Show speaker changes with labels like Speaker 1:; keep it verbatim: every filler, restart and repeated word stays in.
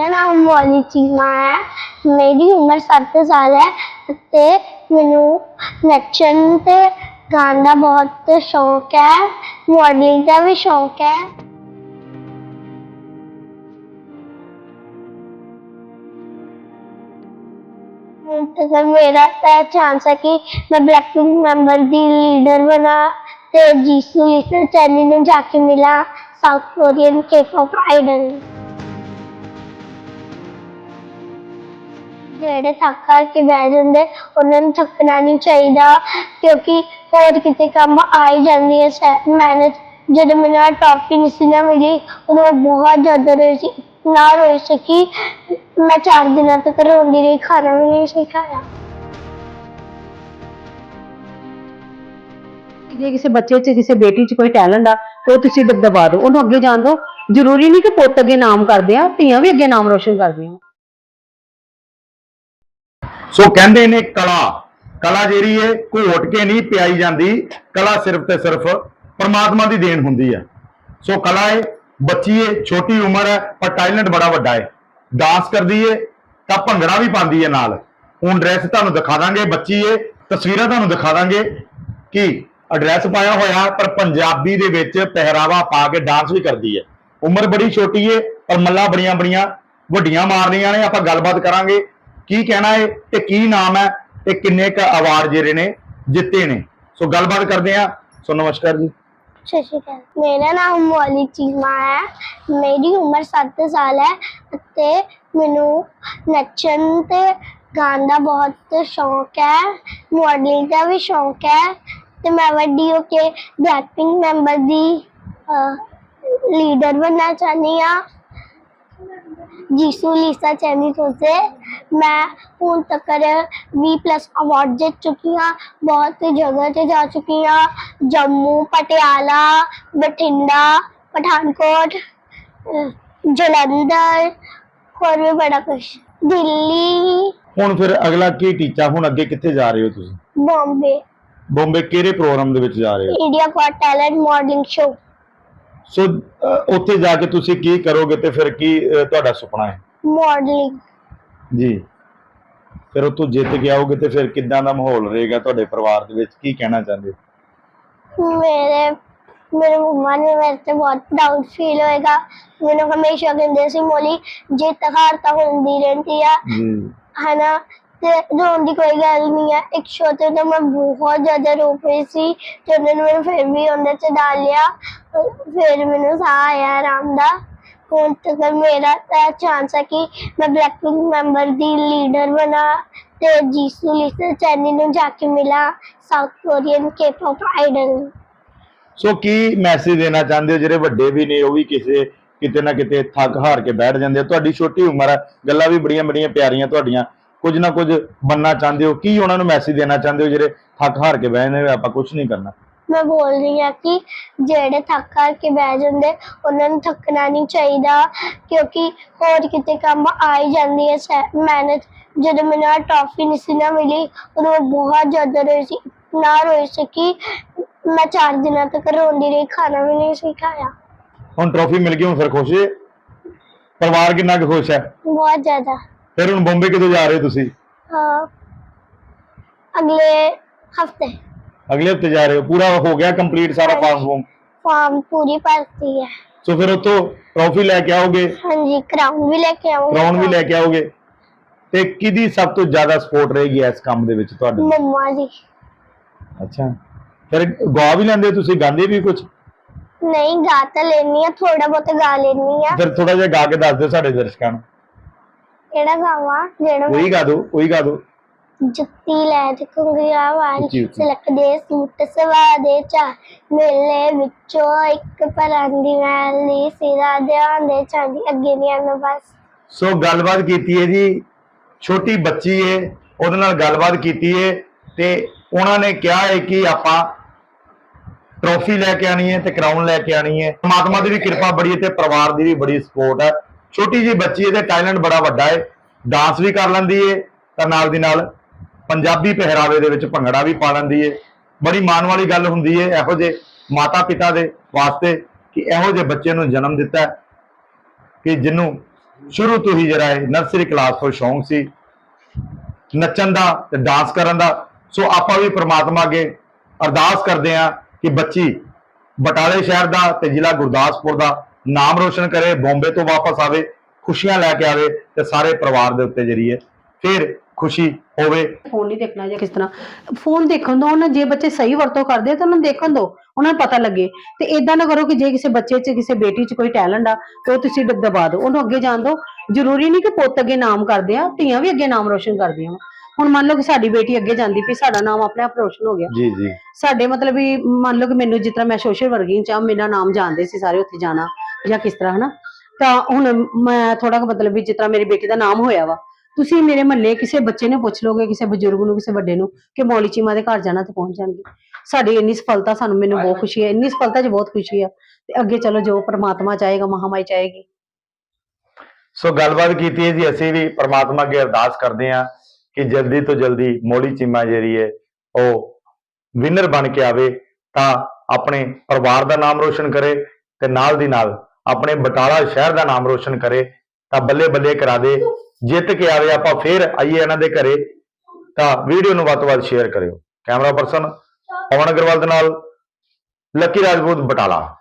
Speaker 1: मेरा नाम मौली चीमा है। मेरी उम्र सत्त साल है ते मैनू नच्चन ते गाने का बहुत शौक है, मॉडलिंग का भी शौक है। तो मेरा तो चांस है कि मैं ब्लैकपिंक मेंबर दी लीडर बना ते जीसू लिटिल चैनी ने जाके मिला साउथ कोरियन के पॉप आइडल। ਜਿਹੜੇ ਥੱਕ ਹਾਰ ਕੇ ਬਹਿ ਜਾਂਦੇ ਉਹਨਾਂ ਨੂੰ ਥੱਕਣਾ ਨਹੀਂ ਚਾਹੀਦਾ, ਕਿਉਂਕਿ ਹੋਰ ਕਿਤੇ ਕੰਮ ਆ ਹੀ ਜਾਂਦੀ ਹੈ ਮਿਹਨਤ। ਜਦੋਂ ਮੈਨੂੰ ਆਹ ਟਰੋਫੀ ਨਹੀਂ ਸੀ ਨਾ ਮਿਲੀ ਉਦੋਂ ਮੈਂ ਬਹੁਤ ਜ਼ਿਆਦਾ ਰੋਈ ਸੀ, ਨਾ ਰੋਈ ਸਕੀ। ਮੈਂ ਚਾਰ ਦਿਨਾਂ ਤੱਕ ਰੋਂਦੀ ਰਹੀ, ਖਾਣਾ ਵੀ ਨਹੀਂ ਸੀ ਖਾਇਆ।
Speaker 2: ਜੇ ਕਿਸੇ ਬੱਚੇ 'ਚ ਕਿਸੇ ਬੇਟੀ 'ਚ ਕੋਈ ਟੈਲੈਂਟ ਆ ਤੇ ਉਹ ਤੁਸੀਂ ਦਬਾ ਦਿਓ, ਉਹਨੂੰ ਅੱਗੇ ਜਾਣ ਦਿਓ। ਜ਼ਰੂਰੀ ਨਹੀਂ ਕਿ ਪੁੱਤ ਅੱਗੇ ਨਾਮ ਕਰਦੇ ਆ, ਧੀਆਂ ਵੀ ਅੱਗੇ ਨਾਮ ਰੋਸ਼ਨ ਕਰਦੀਆਂ।
Speaker 3: ਸੋ ਕਹਿੰਦੇ ਨੇ ਕਲਾ ਕਲਾ ਜਿਹੜੀ ਹੈ ਘੋਟ ਕੇ ਨਹੀਂ ਪਿਆਈ ਜਾਂਦੀ, ਕਲਾ ਸਿਰਫ ਤੇ ਸਿਰਫ ਪਰਮਾਤਮਾ ਦੀ ਦੇਣ ਹੁੰਦੀ ਹੈ। ਸੋ ਕਲਾ ਹੈ, ਬੱਚੀ ਹੈ, ਛੋਟੀ ਉਮਰ ਹੈ ਪਰ ਟੈਲੈਂਟ ਬੜਾ ਵੱਡਾ ਹੈ। ਡਾਂਸ ਕਰਦੀ ਹੈ ਤਾਂ ਭੰਗੜਾ ਵੀ ਪਾਉਂਦੀ ਹੈ ਨਾਲ। ਹੁਣ ਡਰੈਸ ਤੁਹਾਨੂੰ ਦਿਖਾ ਦਾਂਗੇ, ਬੱਚੀ ਹੈ, ਤਸਵੀਰਾਂ ਤੁਹਾਨੂੰ ਦਿਖਾ ਦਾਂਗੇ ਕਿ ਐਡਰੈਸ ਪਾਇਆ ਹੋਇਆ ਪਰ ਪੰਜਾਬੀ ਦੇ ਵਿੱਚ ਪਹਿਰਾਵਾ ਪਾ ਕੇ ਡਾਂਸ ਵੀ ਕਰਦੀ ਹੈ। ਉਮਰ ਬੜੀ ਛੋਟੀ ਹੈ ਪਰ ਮੱਲਾਂ ਬੜੀਆਂ ਬੜੀਆਂ ਵੱਡੀਆਂ ਮਾਰਨੀਆਂ ਨੇ। ਆਪਾਂ ਗੱਲਬਾਤ ਕਰਾਂਗੇ ਕੀ ਕਹਿਣਾ ਹੈ ਤੇ ਕੀ ਨਾਮ ਹੈ ਤੇ ਕਿੰਨੇ ਕ ਅਵਾਰਡ ਜਿਹੜੇ ਨੇ ਜਿੱਤੇ ਨੇ। ਸੋ ਗੱਲਬਾਤ ਕਰਦੇ ਆ। ਸੋ ਨਮਸਕਾਰ ਜੀ।
Speaker 1: ਸਤਿ ਸ਼੍ਰੀ ਅਕਾਲ। ਮੇਰਾ ਨਾਮ ਮੌਲੀ ਚੀਮਾ ਹੈ। ਮੇਰੀ ਉਮਰ ਸੱਤ ਸਾਲ ਹੈ ਤੇ ਮੈਨੂੰ ਨੱਚਣ ਤੇ ਗਾਣ ਦਾ ਬਹੁਤ ਸ਼ੌਕ ਹੈ, ਮॉडलिंग ਦਾ ਵੀ ਸ਼ੌਕ ਹੈ ਤੇ ਮੈਂ ਵੱਡੀ ਹੋ ਕੇ ਬਲੈਕਪਿੰਕ ਮੈਂਬਰ ਦੀ ਲੀਡਰ ਬਣਨਾ ਚਾਹੁੰਦੀ ਹਾਂ। जीसू लीसा चैनी से मैं हूँ तक बीस प्लस अवार्ड जीत चुकी हाँ, बहुत जगह से जा चुकी हाँ, जम्मू, पटियाला, बठिंडा, पठानकोट, जलंधर, और भी बड़ा कुछ, दिल्ली।
Speaker 3: ਹੁਣ ਫਿਰ ਅਗਲਾ ਕੀ ਟੀਚਾ, ਹੁਣ ਅੱਗੇ ਕਿੱਥੇ ਜਾ ਰਹੇ ਹੋ ਤੁਸੀਂ?
Speaker 1: बॉम्बे।
Speaker 3: ਬੰਬੇ ਕਿਹੜੇ ਪ੍ਰੋਗਰਾਮ ਦੇ ਵਿੱਚ ਜਾ ਰਹੇ ਹੋ?
Speaker 1: India got talent modelling show.
Speaker 3: So ਉੱਥੇ ਜਾ ਕੇ ਤੁਸੀਂ ਕੀ ਕਰੋਗੇ ਤੇ ਫਿਰ ਕੀ ਤੁਹਾਡਾ ਸੁਪਨਾ ਹੈ?
Speaker 1: मॉडलिंग।
Speaker 3: ਜੀ, ਫਿਰ ਉੱਥੋਂ ਜਿੱਤ ਕੇ ਆਓਗੇ ਤੇ ਫਿਰ ਕਿੱਦਾਂ ਦਾ ਮਾਹੌਲ ਰਹੇਗਾ ਤੁਹਾਡੇ ਪਰਿਵਾਰ ਦੇ ਵਿੱਚ, ਕੀ ਕਹਿਣਾ ਚਾਹੁੰਦੇ ਹੋ?
Speaker 1: मेरे मेरे मम्मा ने मेरे से बहुत प्राउड फील होएगा। मैंने हमेशा कहते सी मोली जित हार तो होंदी रहती है है ना, ते रोन की कोई गल नहीं है। एक शो ते तो मैं बहुत ज्यादा रो पई सी ते उन्होंने मैंने फिर भी उन्हें च डाल लिया, फिर मैंने साह आया आराम दा। हुण तक मेरा चांस है कि मैं ब्लैकपिंक मेंबर दी लीडर बना ते जीसू लिटिल चैनी ने जाके मिला साउथ कोरियन के पॉप आइडल।
Speaker 3: ਸੋ ਕੀ ਮੈਸੇਜ ਦੇਣਾ ਚਾਹੁੰਦੇ ਹੋ ਜਿਹੜੇ ਵੱਡੇ ਵੀ ਨੇ, ਉਹ ਵੀ ਕਿਸੇ ਕਿਤੇ ਨਾ ਕਿਤੇ ਥੱਕ ਹਾਰ ਕੇ ਬੈਠ ਜਾਂਦੇ ਆ? ਤੁਹਾਡੀ ਛੋਟੀ ਉਮਰ ਹੈ, ਗੱਲਾਂ ਵੀ ਬੜੀਆਂ ਬੜੀਆਂ ਪਿਆਰੀਆਂ ਤੁਹਾਡੀਆਂ, ਕੁਝ ਨਾ ਕੁਝ ਬਣਨਾ ਚਾਹੁੰਦੇ ਹੋ, ਕੀ ਉਹਨਾਂ ਨੂੰ ਮੈਸੇਜ ਦੇਣਾ ਚਾਹੁੰਦੇ ਹੋ ਜਿਹੜੇ ਥੱਕ ਹਾਰ ਕੇ ਬਹਿ ਜਾਂਦੇ ਆਪਾਂ ਕੁਝ ਨਹੀਂ ਕਰਨਾ?
Speaker 1: मैं बोल रही हूँ कि जेड़े थक हार के बह जाते उन्होंने थकना नहीं चाहिए, क्योंकि होर किते काम आ ही जाती है मेहनत। जो मैंने आ ट्रॉफी नहीं सी ना मिली उदों मैं बहुत ज़्यादा रोई सी, ना रोई सकी। मैं चार दिनों तक रोंदी रही, खाना भी नहीं सी खाया।
Speaker 3: ਹੁਣ ਟਰੋਫੀ ਮਿਲ ਗਈ, ਹੁਣ ਫਿਰ ਖੁਸ਼ ਹੈ? ਪਰਿਵਾਰ ਕਿੰਨਾ ਕੁ ਖੁਸ਼ ਹੈ?
Speaker 1: बहुत ज़्यादा।
Speaker 3: ਫਿਰ ਹੁਣ ਬੰਬੇ ਕਿਦੋਂ ਜਾ ਰਹੇ ਹੋ ਤੁਸੀਂ?
Speaker 1: हाँ, अगले हफ्ते।
Speaker 3: अगले हफ्ते जा रहे हो? पूरा हो गया कंप्लीट सारा फॉर्म फॉर्म?
Speaker 1: फॉर्म पूरी भरती है।
Speaker 3: तो फिर उतो ट्रॉफी लेके आओगे?
Speaker 1: हाँ जी, क्राउन भी लेके आओगे।
Speaker 3: क्राउन भी लेके आओगे। ते किदी सब तो ज्यादा सपोर्ट रहेगी इस काम दे विच तुहाडे?
Speaker 1: मम्मा जी।
Speaker 3: अच्छा, फिर गा भी लेंदे हो तुसीं? गांदे भी कुछ?
Speaker 1: नहीं, गा तो लेनी है, थोड़ा बहुत गा लेनी है।
Speaker 3: फिर थोड़ा जिहा गा के दस दो साडे दर्शकां नूं।
Speaker 1: केड़ा गावां? जेड़ा
Speaker 3: कोई गा दो, कोई गा दो।
Speaker 1: जुत्ती लै ते घुंघरा वाली सिलक दे सूट सवा दे चा मेले विचों एक परांदी मैली सिरा ध्यान दे चांदी। अगे नहीं आना बस।
Speaker 3: सो गलबात कीती है जी, छोटी बच्ची है, ਉਹਦੇ ਨਾਲ ਗੱਲਬਾਤ ਕੀਤੀ ਹੈ ਤੇ ਉਹਨਾਂ ਨੇ ਕਿਹਾ ਹੈ ਕਿ ਆਪਾਂ ਟਰੋਫੀ ਲੈ ਕੇ ਆਣੀ ਹੈ ਤੇ ਕਰਾਊਨ ਲੈ ਕੇ ਆਣੀ ਹੈ। ਪਰਮਾਤਮਾ ਦੀ ਵੀ ਕਿਰਪਾ ਬੜੀ ਹੈ ਤੇ ਪਰਿਵਾਰ ਦੀ ਵੀ ਬੜੀ ਸਪੋਰਟ ਹੈ। ਛੋਟੀ ਜੀ ਬੱਚੀ ਹੈ ਤੇ ਟੈਲੈਂਟ ਬੜਾ ਵੱਡਾ ਹੈ, ਡਾਂਸ ਵੀ ਕਰ ਲੈਂਦੀ ਹੈ ਤਾਂ ਨਾਲ ਦੀ ਨਾਲ ਪੰਜਾਬੀ ਪਹਿਰਾਵੇ ਦੇ ਵਿੱਚ ਭੰਗੜਾ ਵੀ ਪਾ ਲੈਂਦੀ ਹੈ। ਬੜੀ ਮਾਣ ਵਾਲੀ ਗੱਲ ਹੁੰਦੀ ਹੈ ਇਹੋ ਜਿਹੇ ਮਾਤਾ ਪਿਤਾ ਦੇ ਵਾਸਤੇ ਕਿ ਇਹੋ ਜਿਹੇ ਬੱਚੇ ਨੂੰ ਜਨਮ ਦਿੱਤਾ ਕਿ ਜਿਹਨੂੰ ਸ਼ੁਰੂ ਤੋਂ ਹੀ ਜਿਹੜਾ ਹੈ ਨਰਸਰੀ ਕਲਾਸ ਤੋਂ ਸ਼ੌਂਕ ਸੀ ਨੱਚਣ ਦਾ ਤੇ ਡਾਂਸ ਕਰਨ ਦਾ। ਸੋ ਆਪਾਂ ਵੀ ਪ੍ਰਮਾਤਮਾ ਅੱਗੇ ਅਰਦਾਸ ਕਰਦੇ ਹਾਂ ਕਿ ਬੱਚੀ ਬਟਾਲੇ ਸ਼ਹਿਰ ਦਾ ਤੇ ਜ਼ਿਲ੍ਹਾ ਗੁਰਦਾਸਪੁਰ ਦਾ ਨਾਮ ਰੋਸ਼ਨ ਕਰੇ, ਬੰਬੇ ਤੋਂ ਵਾਪਸ ਆਵੇ, ਖੁਸ਼ੀਆਂ ਲੈ ਕੇ ਆਵੇ ਤੇ ਸਾਰੇ ਪਰਿਵਾਰ ਦੇ ਉੱਤੇ ਜਿਹੜੀ ਹੈ ਫਿਰ ਖੁਸ਼ੀ ਹੋਵੇ।
Speaker 2: ਫੋਨ ਨਹੀਂ ਦੇਖਣਾ ਜਾਂ ਕਿਸ ਤਰ੍ਹਾਂ ਫੋਨ ਦੇਖਣ ਦੋ ਉਹਨਾਂ, ਜੇ ਬੱਚੇ ਸਹੀ ਵਰਤੋਂ ਕਰਦੇ ਆ ਤਾਂ ਉਹਨਾਂ ਨੂੰ ਦੇਖਣ ਦੋ, ਉਹਨਾਂ ਨੂੰ ਪਤਾ ਲੱਗੇ। ਤੇ ਇਦਾਂ ਨਾ ਕਰੋ ਕਿ ਜੇ ਕਿਸੇ ਬੱਚੇ 'ਚ ਕਿਸੇ ਬੇਟੀ 'ਚ ਕੋਈ ਟੈਲੈਂਟ ਆ ਤੇ ਉਹ ਤੁਸੀਂ ਦ- ਦਬਾ ਦਿਓ, ਉਹਨੂੰ ਅੱਗੇ ਜਾਣ ਦਿਓ। ਜ਼ਰੂਰੀ ਨਹੀਂ ਕਿ ਪੁੱਤ ਅੱਗੇ ਨਾਮ ਕਰਦੇ ਆ, ਧੀਆਂ ਵੀ ਅੱਗੇ ਨਾਮ ਰੋਸ਼ਨ ਕਰਦੀਆਂ ਵਾ। ਹੁਣ ਮੰਨ ਲਓ ਕਿ ਸਾਡੀ ਬੇਟੀ ਅੱਗੇ ਜਾਂਦੀ ਪਈ, ਸਾਡਾ ਨਾਮ ਆਪਣੇ ਆਪ ਰੋਸ਼ਨ ਹੋ ਗਿਆ।
Speaker 3: ਜੀ ਜੀ
Speaker 2: ਸਾਡੇ ਮਤਲਬ ਵੀ ਮੰਨ ਲਓ ਕਿ ਮੈਨੂੰ ਜਿਸ ਤਰ੍ਹਾਂ ਮੈਂ ਸੋਸ਼ਲ ਵਰਕਿੰਗ ਚ ਆ, ਮੇਰਾ ਨਾਮ ਜਾਣਦੇ ਸੀ ਸਾਰੇ ਉੱਥੇ ਜਾਣਾ ਜਾਂ ਕਿਸ ਤਰ੍ਹਾਂ ਹਨਾ, ਤਾਂ ਹੁਣ ਮੈਂ ਥੋੜਾ ਮਤਲਬ ਵੀ ਜਿਸ ਤਰ੍ਹਾਂ ਮੇਰੀ ਬੇਟੀ ਦਾ ਨਾਮ ਹੋਇਆ ਵਾ, ਤੁਸੀਂ ਮੇਰੇ ਮਹੱਲੇ ਕਿਸੇ ਬੱਚੇ ਨੂੰ ਪੁੱਛ ਲੋਗੇ, ਕਿਸੇ ਬਜ਼ੁਰਗ ਨੂੰ, ਕਿਸੇ ਵੱਡੇ ਨੂੰ ਕਿ ਮੌਲੀ ਚੀਮਾ ਦੇ ਘਰ ਜਾਣਾ ਤੇ ਪਹੁੰਚ ਜਾਣਗੇ। ਸਾਡੀ ਇੰਨੀ ਸਫਲਤਾ, ਸਾਨੂੰ ਮੈਨੂੰ ਬਹੁਤ ਖੁਸ਼ੀ ਹੈ, ਇੰਨੀ ਸਫਲਤਾ 'ਚ ਬਹੁਤ ਖੁਸ਼ੀ ਆ। ਤੇ ਅੱਗੇ ਚਲੋ ਜੋ ਪ੍ਰਮਾਤਮਾ ਚਾਹੇਗਾ, ਮਹਾਮਾਈ ਚਾਹੇਗੀ।
Speaker 3: ਸੋ ਗੱਲਬਾਤ ਕੀਤੀ ਹੈ ਜੀ, ਅਸੀਂ ਵੀ ਪ੍ਰਮਾਤਮਾ ਅੱਗੇ ਅਰਦਾਸ ਕਰਦੇ ਹਾਂ ਕਿ ਜਲਦੀ ਤੋਂ ਜਲਦੀ ਮੌਲੀ ਚੀਮਾ ਜਿਹੜੀ ਹੈ ਉਹ ਵਿਨਰ ਬਣ ਕੇ ਆਵੇ, ਤਾਂ ਆਪਣੇ ਪਰਿਵਾਰ ਦਾ ਨਾਮ ਰੋਸ਼ਨ ਕਰੇ ਤੇ ਨਾਲ ਦੀ ਨਾਲ ਆਪਣੇ ਬਟਾਲਾ ਸ਼ਹਿਰ ਦਾ ਨਾਮ ਰੋਸ਼ਨ ਕਰੇ, ਤਾਂ ਬੱਲੇ ਬੱਲੇ ਕਰਾ ਦੇ, ਜਿੱਤ ਕੇ ਆਵੇ। ਆਪਾਂ ਫੇਰ ਆਈਏ ਇਹਨਾਂ ਦੇ ਘਰੇ, ਤਾਂ ਵੀਡੀਓ ਨੂੰ ਵੱਧ ਤੋਂ ਵੱਧ ਸ਼ੇਅਰ ਕਰਿਓ। ਕੈਮਰਾ ਪਰਸਨ ਪਵਨ ਅਗਰਵਾਲ ਦੇ ਨਾਲ ਲੱਕੀ ਰਾਜਪੂਤ, ਬਟਾਲਾ।